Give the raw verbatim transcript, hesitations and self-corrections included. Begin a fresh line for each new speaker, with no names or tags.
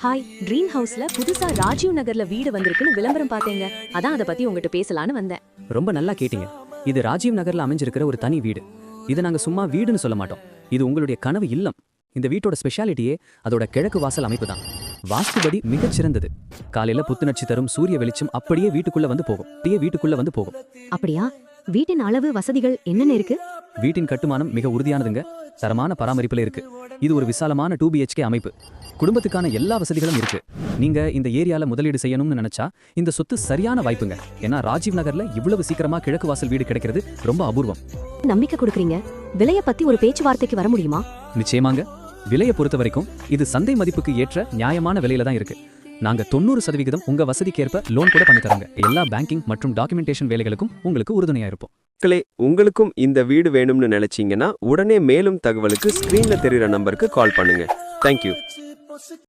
Hi, dream ஹவுஸ்ல புதுசா ராஜீவ் நகர்ல வீடு வந்திருக்குன்னு விளம்பரம் பார்த்தேங்க. அதான் அதை பத்தி உங்ககிட்ட பேசலான்னு வந்தேன்.
ரொம்ப நல்லா கேட்டீங்க. இது ராஜீவ் நகர்ல அமைஞ்சிருக்கிற ஒரு தனி வீடு. இது நாங்க சும்மா வீடுன்னு சொல்ல மாட்டோம். இது உங்களுடைய கனவு இல்லம். இந்த வீட்டோட ஸ்பெஷாலிட்டியே அதோட கிழக்கு வாசல் அமைப்பு தான். வாஸ்துபடி மிகச் சிறந்தது. காலையில புத்துணர்ச்சி தரும் சூரிய வெளிச்சம் அப்படியே வீட்டுக்குள்ள வந்து போகும். அப்படியே வீட்டுக்குள்ள வந்து போகும்.
அப்படியா? வீட்டின் அளவு, வசதிகள் என்னென்ன இருக்கு?
வீட்டின் கட்டுமானம் மிக உறுதியானதுங்க. தரமான பராமரிப்புல இருக்கு. இது ஒரு விசாலமான டூ பிஹெச்கே அமைப்பு. குடும்பத்துக்கான எல்லா வசதிகளும் இருக்கு. நீங்க இந்த ஏரியால முதலீடு செய்யணும்னு நினைச்சா இந்த சொத்து சரியான வாய்ப்புங்க. ஏன்னா ராஜீவ் நகர்ல இவ்வளவு சீக்கிரமா கிழக்கு வாசல் வீடு கிடைக்கிறது ரொம்ப அபூர்வம்.
நம்பிக்கை கொடுக்குறீங்க. விலைய பத்தி ஒரு பேச்சுவார்த்தைக்கு வர முடியுமா?
நிச்சயமாங்க. விலையை பொறுத்த வரைக்கும் இது சந்தை மதிப்புக்கு ஏற்ற நியாயமான விலையில தான் இருக்கு. நாங்க தொண்ணூறு சதவீதம் உங்க வசதிக்கேற்ப லோன் கூட பண்ணி தராங்க. எல்லா பேங்கிங் மற்றும் டாக்குமெண்டேஷன் வேலைகளுக்கும் உங்களுக்கு உறுதுணையா இருப்போம்.
மக்களே, உங்களுக்கும் இந்த வீடு வேணும்னு நினைச்சீங்கன்னா உடனே மேலும் தகவலுக்கு ஸ்கிரீன்ல தெரியுற நம்பருக்கு கால் பண்ணுங்க. தேங்க்யூ.